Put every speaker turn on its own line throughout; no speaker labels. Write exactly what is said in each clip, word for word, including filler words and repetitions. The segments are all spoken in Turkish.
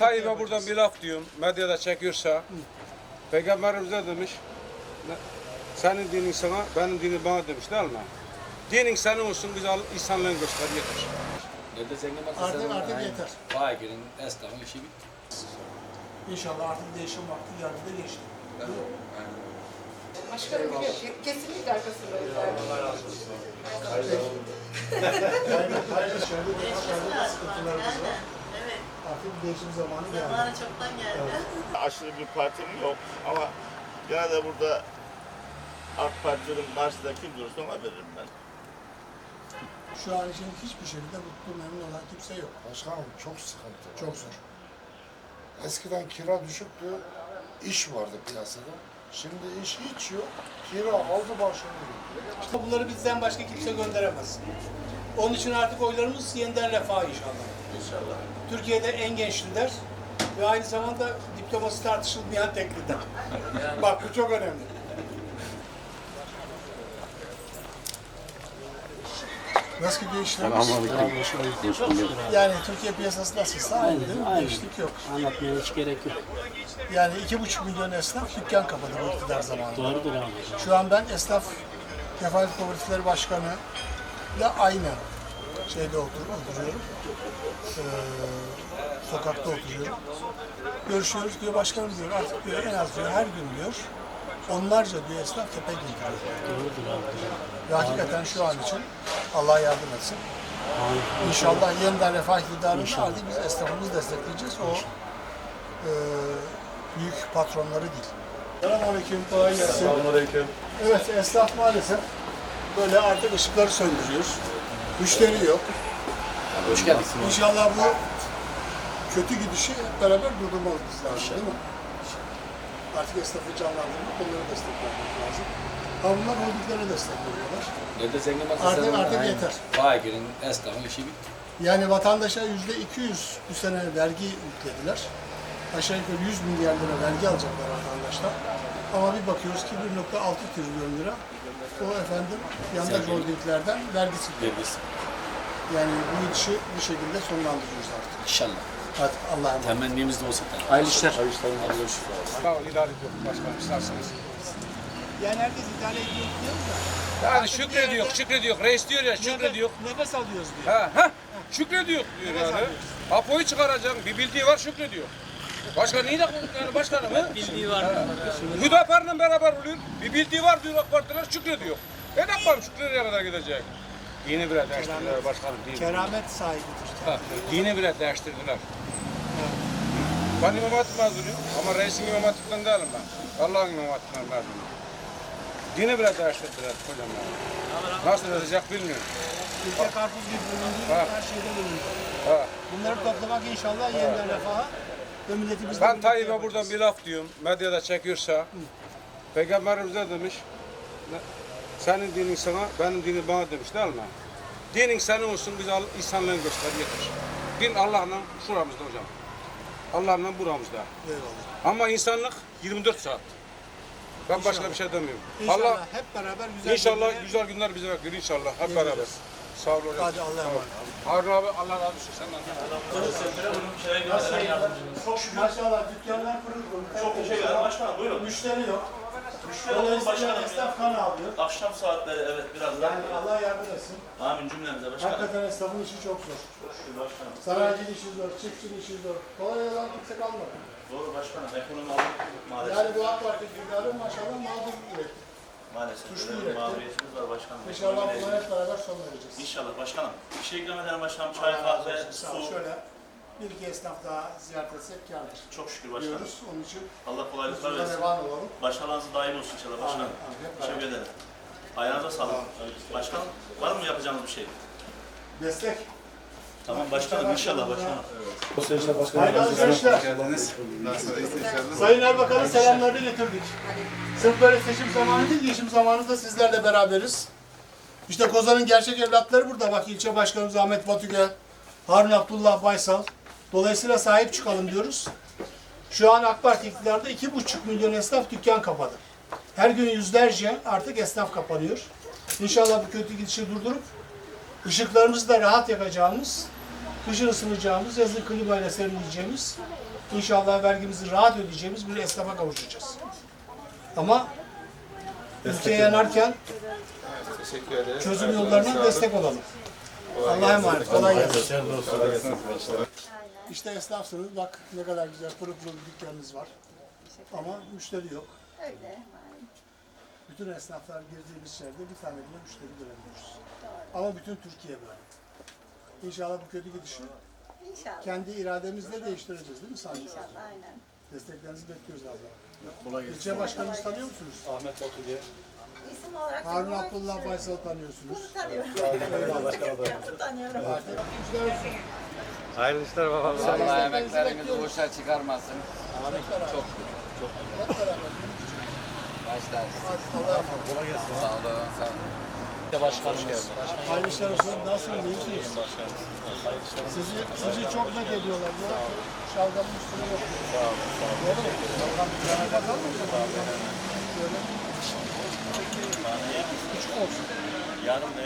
Tayyip'e buradan bir laf diyorum, medyada çekiyorsa. Hı. Peygamberimiz ne demiş? Senin dinin sana, benim dinim bana demiş değil mi? Dinin senin olsun, biz insanlığın göster, yeter.
Nerede zengin varsa
Artık,
sen
artık
aynen.
yeter.
Fakirin, esnafın işi bitti.
İnşallah artık değişim vakti geldi de geçti.
Başkanım biliyor. Kesinlikle arkasındayız.
Allah razı olsun. Yani hayırlı şerde de başarılı sıkıntılarımız var.
Evet.
Artık değişim zamanı geldi.
Zamanı çoktan geldi.
Aşırı bir partim yok ama gene de burada AK Parti'nin karşısında kim durursa ona veririm ben.
Şu an için hiçbir şekilde mutlu, memnun olan kimse yok.
Başkanım çok sıkıntı.
Çok zor.
Eskiden kira düşüktü, iş vardı piyasada. Şimdi iş hiç yok, kira aldı başını gidiyor.
Bunları bizden başka kimse gönderemez. Onun için artık oylarımız yeniden refah inşallah.
İnşallah.
Türkiye'de en genç lider ve aynı zamanda diploması tartışılmayan tek lider. Bak bu çok önemli. Nasıl gidiyor işlerimiz? Yani Türkiye piyasası nasılsa aynı değil mi? Değişiklik yok.
Anlatmaya hiç gerek yok.
Yani iki buçuk milyon esnaf dükkan kapadı bu iktidar zamanında.
Doğrudur abi.
Şu an ben esnaf kefalet kooperatifleri başkanı ile aynı şeyde otur, oturuyorum. Ee, sokakta oturuyorum. Görüşüyoruz diyor, başkanım diyor artık diyor en az diyor her gün diyor onlarca diyor esnaf tepe giydiriyor.
Doğrudur abi.
Ve hakikaten şu an için Allah yardım etsin. İnşallah yeniden refah iktidarını artık biz esnafımızı destekleyeceğiz. O e, büyük patronları değil. Selamünaleyküm, kolay gelsin.
Selamünaleyküm.
Evet, esnaf maalesef böyle artık ışıkları söndürüyor. Müşteri yok.
Hoş geldin.
İnşallah bu kötü gidişi hep beraber durdurmamız lazım değil mi? Artık esnafı canlandırmak, onları desteklemek lazım. Ha bunlar holdinglere destek veriyorlar.
Nerede zengin varsa
Artık-
sen
artık
aynen.
yeter.
Fakirin, esnafın işi bitti.
Yani vatandaşa yüzde iki yüz bu sene vergi yüklediler. Aşağı yukarı yüz milyar lira vergi alacaklar vatandaşlar. Ama bir bakıyoruz ki bir nokta altı trilyon lira o efendim yandaş holdinglerden vergisi geliyor.
Vergisi.
Yani bu işi bir şekilde sonlandırıyoruz artık.
İnşallah.
Hadi Allah'a emanet.
Temennimiz de olsa.
Hayırlı işler.
Hayırlı işler. Hayırlı işler.
Sağ ol, idare ediyorum başkanım, isterseniz.
Yani herkes idare ediyor diyoruz da.
Yani şükrediyor, şükrediyor. Reis diyor ya, şükrediyor.
Nefes alıyoruz diyor.
Ha, ha, şükrediyor diyor yani. Apo'yu çıkaracaksın, bir bildiği var şükrediyor. Başka neyi de yani başkanım ha?
Bildiği var.
Hüdapar'la beraber oluyor. Bir bildiği var diyor AK Partiler şükrediyor. E ne yapalım şükrediye kadar gidecek. Dini bile değiştirdiler başkanım. Dini.
Keramet sahibidir.
Ha, dini bile değiştirdiler. Ben İmam Hatip mezunuyum ama reisin İmam Hatip'ten değilim ben. Allah'ın İmam Hatip'ten mezunuyum. Dini bile değiştirdiler hocam yani. Nasıl edecek bilmiyorum.
Ülke karpuz gibi bölündü,
Ha.
her şeyde bölündü.
Ha.
Bunları toplamak inşallah yeniden refaha ve milletimizi
Ben Tayyip'e buradan bir laf diyorum, medyada çekiyorsa. Peygamberimiz ne demiş? Ne- Senin dinin sana, benim dinim bana demiş değil mi? Dinin senin olsun, biz al- insanlığın göster, yeter. Din Allah'la şuramızda hocam. Allah'la buramızda.
Eyvallah.
Ama insanlık yirmi dört saat. Ben başka bir şey demiyorum.
İnşallah
Allah
hep beraber güzel
inşallah
günlere-
güzel günler bize bekliyor inşallah hep
Geleceğiz.
beraber. Sağ ol hocam.
Hadi Allah'a emanet.
Harun abi Allah razı olsun senden.
Çok şükür. Maşallah dükkanlar pırıl pırıl.
Çok teşekkür ederim başkanım. Buyurun.
Müşteri yok.
Müşteri olun
Dolayısıyla
başkanım.
esnaf kan alıyor.
Akşam saatleri evet biraz daha.
Yani Allah yardım etsin.
Amin cümlemize başkanım.
Hakikaten esnafın işi çok zor.
Çok şükür başkanım.
Sanayicinin işi zor, çiftçinin işi zor. Kolay olan kimse kalmadı.
Doğru başkanım. Ekonomi aldık maalesef.
Yani bu AK Parti iktidarı maşallah mağdur üretti.
Maalesef.
Suçlu
Böyle bir
üretti.
mağduriyetimiz var başkanım.
İnşallah
Ekonomiyle
bunlara hep beraber son vereceğiz.
İnşallah başkanım. Bir şey ikram eden başkanım. Çay,
Allah razı
kahve,
olsun. Sağ ol.
su.
Şöyle bir iki esnaf daha ziyaret etsek kârdır.
Çok şükür başkanım.
Diyoruz. Onun için
Allah kolaylıklar
huzurda
versin.
devam olalım.
Başarılarınız daim olsun inşallah başkanım.
Amin, amin. Hep
Teşekkür ederim. Ayağınıza sağlık. Başkanım var mı yapacağınız bir şey?
Destek.
Tamam başkanım inşallah başkanım.
Hayırlı alışverişler. Sayın Erbakan'ın selamlarını getirdik. Sırf böyle seçim zamanı değil, geçim zamanı da sizlerle beraberiz. İşte Kozan'ın gerçek evlatları burada. Bak ilçe başkanımız Ahmet Batüge, Harun Abdullah Baysal. Dolayısıyla sahip çıkalım diyoruz. Şu an AK Parti iktidarda iki buçuk milyon esnaf dükkan kapadı. Her gün yüzlerce artık esnaf kapanıyor. İnşallah bu kötü gidişi durdurup ışıklarımızı da rahat yakacağımız, kışın ısınacağımız, yazın klimayla serinleyeceğimiz İnşallah vergimizi rahat ödeyeceğimiz bir esnafa kavuşacağız. Ama ülkeye yanarken
Teşekkür ederiz.
çözüm yollarına destek olalım. Allah'a emanet. Kolay gelsin. İşte esnafsınız. Bak ne kadar güzel pırıl pırıl bir dükkanınız var. Ama müşteri yok.
Öyle.
Bütün esnaflar girdiğimiz yerde bir tane bile müşteri göremiyoruz. Ama bütün Türkiye böyle. İnşallah bu kötü gidişi
İnşallah.
kendi irademizle değiştireceğiz değil mi Sami?
İnşallah aynen.
Desteklerinizi bekliyoruz abla. İlçe başkanımızı tanıyor musunuz?
Ahmet Batu diye.
İsim olarak
Harun
tanımak
Abdullah
için-
Baysal'ı tanıyorsunuz.
Tanıyorum. Tanıyorum.
Hayırlı işler babam.
Allah emeklerinizi
boşa çıkarmasın.
Çok çok. Hep beraber.
Başlar.
Allah'a emanet.
Kolay gelsin. Sağ olun. Sağ olun.
Başkanımız.
Hayırlı işler olsun. Nasılsınız? İyisiniz? Sizi, sizi çok met ediyorlar. Diyor ki şalgamın üstüne yok. Sağ olun. Doğru mu? Şalgam bir tane bakalım mı? Şöyle. Küçük olsun.
Yarın ne?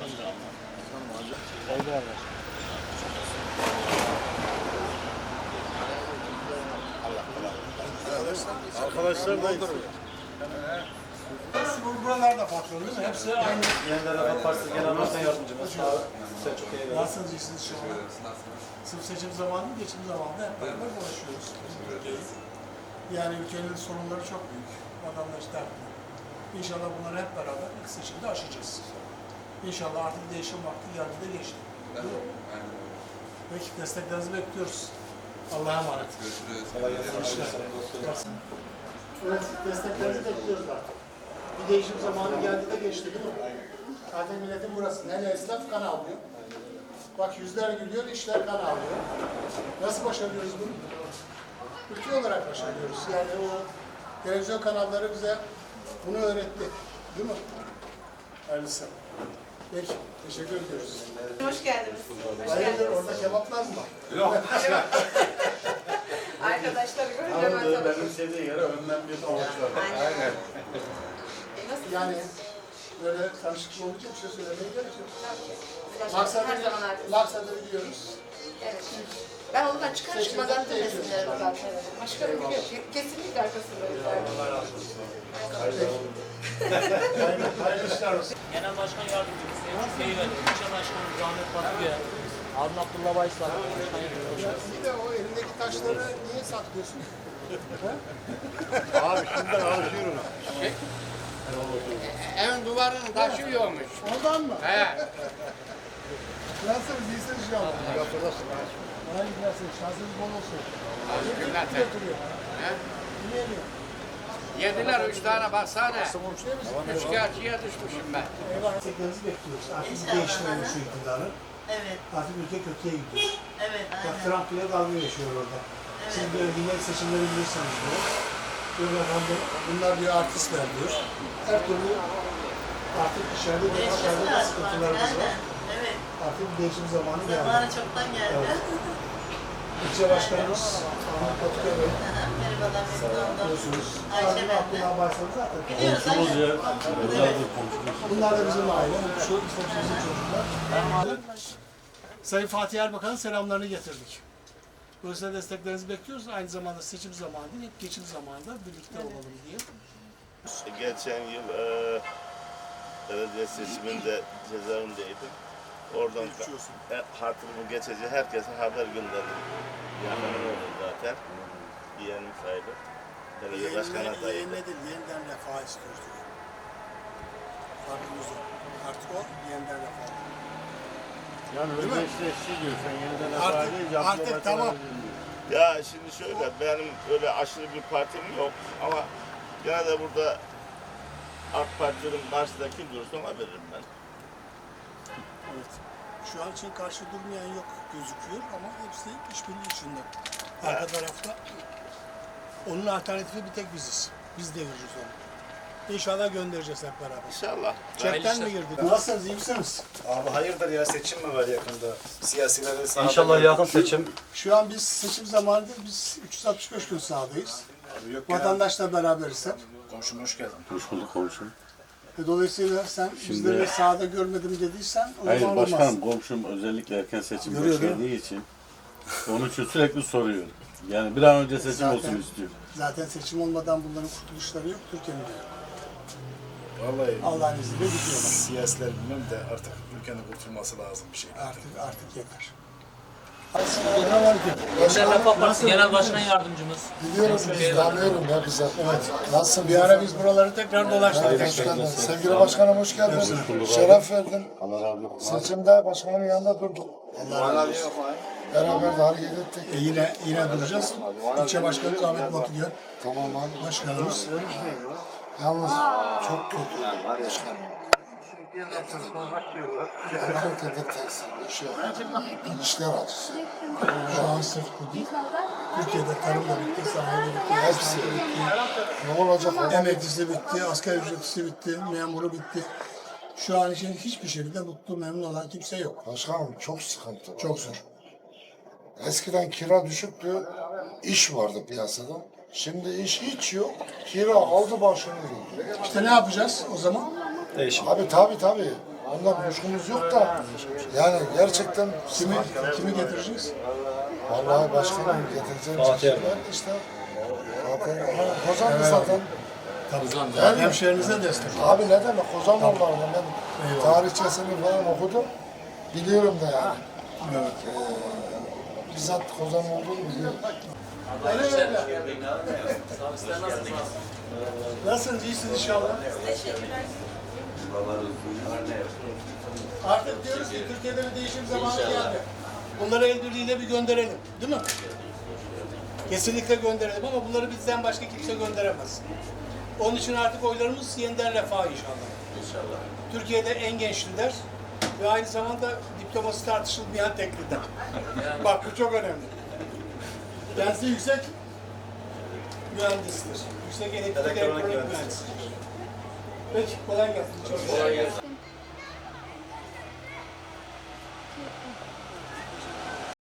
Arkadaşlar da
Hepsi bu- buralarda patron değil mi? Hepsi aynı.
Yeniden Refah Partisi Genel Başkan Yardımcımız. Selçuk Bey'e
Nasılsınız? İyisiniz şu an? Sırf seçim zamanı, geçim zamanında hep beraber dolaşıyoruz. Yani ülkenin sorunları çok büyük. Vatandaş dertli. İnşallah bunları hep beraber ilk seçimde aşacağız. İnşallah artık değişim vakti geldi de geçti. Değil mi? Peki desteklerinizi bekliyoruz. Allah'a emanet. Görüşürüz. Evet, desteklerinizi bekliyoruz artık. Bir değişim zamanı geldi de geçti değil mi? Zaten milletin burası. Hele esnaf kan alıyor. Bak yüzler gülüyor, işler kan alıyor. Nasıl başarıyoruz bunu? Ülke olarak başarıyoruz. Yani o televizyon kanalları bize bunu öğretti. Değil mi? Hayırlısı. Peki, teşekkür ediyoruz.
Hoş geldiniz. Hoş
Hayırdır,
geldiniz.
orada kebaplar mı var?
Arkadaşları görünce ben tanıdım.
Benim sevdiği yere önden bir avuçlar.
Aynen. Nasıl?
Yani böyle tanışıklı olunca bir şey söylemeye gerek yok.
Her
Maksadı,
zaman arkadaşlar.
maksadı biliyoruz.
Evet. Ben ondan çıkar
Seçimden
çıkmadan tüm
değişiyor.
resimlerimi zaten. Başkanım biliyor. Kesinlikle arkasındayız.
Hayırlı, hayırlı işler olsun.
Genel Başkan Yardımcımız Selçuk Bey'e verdik. İlçe Başkanımız Ahmet Batu'ya. Harun Abdullah Baysal. Başkan Yardımcımız.
Bir de o elindeki taşları niye saklıyorsun?
Abi şimdiden alışıyorum.
Evin duvarının taşı yokmuş.
Ondan mı?
He.
Nasılsınız? İyisiniz şu an. Kolay gelsin. Şansınız bol olsun.
Günler
Kim götürüyor?
He?
Kim yemiyor?
Yediler üç tane baksana.
Komşu değil misin?
Üçkağıtçıya düşmüşüm ben.
Eyvah. Desteklerinizi bekliyoruz. Artık bir değiştirelim şu iktidarı.
Evet.
Artık ülke kötüye gidiyor.
Evet.
Bak Trump bile dalga geçiyor orada. Siz böyle günlük seçimleri bilirsiniz diyor. Diyor efendim, bunlar diyor artistler diyor. Her türlü artık dışarıda ve dışarıda da sıkıntılarımız var.
Evet.
Artık bir değişim zamanı geldi.
Zamanı çoktan geldi.
Evet. İlçe başkanımız Ahmet Batu'ya Bey.
Merhabalar, memnun oldum.
Biliyorsunuz.
Ayşe
Harun
ben de.
Abdullah Baysal'ı zaten.
Biliyoruz Ayşe.
Bunlar da bizim aile. Şu işte bizim çocuklar. Sayın Fatih Erbakan'ın selamlarını getirdik. Dolayısıyla desteklerinizi bekliyoruz. Aynı zamanda seçim zamanı değil, hep geçim zamanında birlikte olalım diye.
Geçen yıl e, belediye seçiminde cezaevindeydim. Oradan e, hatırımı geçici herkese haber gönderdim. Yakınım oldu zaten. Yeğenim sayılır. Belediye başkan adayıydı.
Yeğenle değil, yeniden refah istiyoruz diyor. Farkımız yok. Artık o yeniden refah.
Yani özdeşleşti diyorsun. Yeniden
Artık,
refah
artık tamam.
Ya şimdi şöyle, benim öyle aşırı bir partim yok ama gene de burada AK Parti'nin karşısında kim durursa ona veririm ben.
Evet. Şu an için karşı durmayan yok gözüküyor ama hepsi işbirliği içinde. Arka tarafta onun alternatifi bir tek biziz. Biz devireceğiz onu. İnşallah göndereceğiz hep beraber.
İnşallah.
Çekten mi girdik? Nasılsınız? İyi misiniz?
Abi hayırdır ya, seçim mi var yakında? Siyasilere sahada
İnşallah yakın seçim.
Şu an biz seçim zamanında biz üç yüz altmış beş gün sahadayız. Vatandaşla beraberiz hep.
Komşum hoş geldin.
Hoş bulduk komşum.
E, Dolayısıyla sen bizleri sahada görmedim dediysen o
Hayır
zaman olmaz.
başkanım, komşum özellikle erken seçim
Görüyor, değil mi?
beklediği için onun için sürekli soruyor. Yani bir an önce seçim
Zaten-
olsun istiyor.
Zaten seçim olmadan bunların kurtuluşları yok, Türkiye'nin de yok.
Vallahi
Allah'ın izniyle gidiyorlar.
siyasiler bilmem de artık ülkenin kurtulması lazım bir şey.
Artık artık yeter.
Gençler Refah Partisi Genel Başkan Yardımcımız.
Biliyorum, biz tanıyorum ya bize. Evet. Nasılsın?
Bir ara biz buraları tekrar dolaştık.
Hoş geldin. Sevgili başkanım hoş geldin. Şeref verdin. Seçimde başkanın yanında durduk. Beraber de hareket ettik.
E yine yine duracağız. İlçe başkanımız Ahmet Batıgöl.
Tamam abi.
Başkanımız.
Yalnız çok kötü. Başkanım. Herkese tekstil, iş yok. İşler acısı.
Şu an sırf bu değil. Türkiye'de tarım da bitti, sanayi de bitti,
Hepsi.
esnaf da bitti.
Ne olacak? adam?
Emeklisi bitti, asgari ücretlisi bitti, memuru bitti. Şu an için hiçbir şekilde mutlu, memnun olan kimse yok.
Başkanım çok sıkıntı var.
Çok zor.
Eskiden kira düşüktü, iş vardı piyasada. Şimdi iş hiç yok. Kira aldı başını gidiyor.
İşte ne yapacağız o zaman?
Değişim.
Abi tabi tabi. Ondan kuşkumuz yok da. Yani gerçekten
Kimi, kimi getireceğiz?
vallahi başkanım getireceğim
Fatih
çeşitler işte. Zaten ha, Kozanlı zaten.
Tabii. Hemşehrinize destek.
Abi ne demek Kozanlılarla ben tarihçesini falan okudum. Biliyorum da yani.
Evet.
Ee, bizzat Kozanlı olduğunu biliyorum.
Nasılsınız? İyisiniz inşallah. Artık diyoruz ki Türkiye'de bir değişim zamanı geldi. Bunları el birliğiyle bir gönderelim. Değil mi? Kesinlikle gönderelim ama bunları bizden başka kimse gönderemez. Onun için artık oylarımız yeniden refah inşallah. İnşallah. Türkiye'de en genç lider ve aynı zamanda diploması tartışılmayan tek lider. Bak bu çok önemli. Kendisi yüksek mühendistir. Yüksek elektrik elektronik mühendisidir. Peki kolay gelsin. Çok kolay gelsin.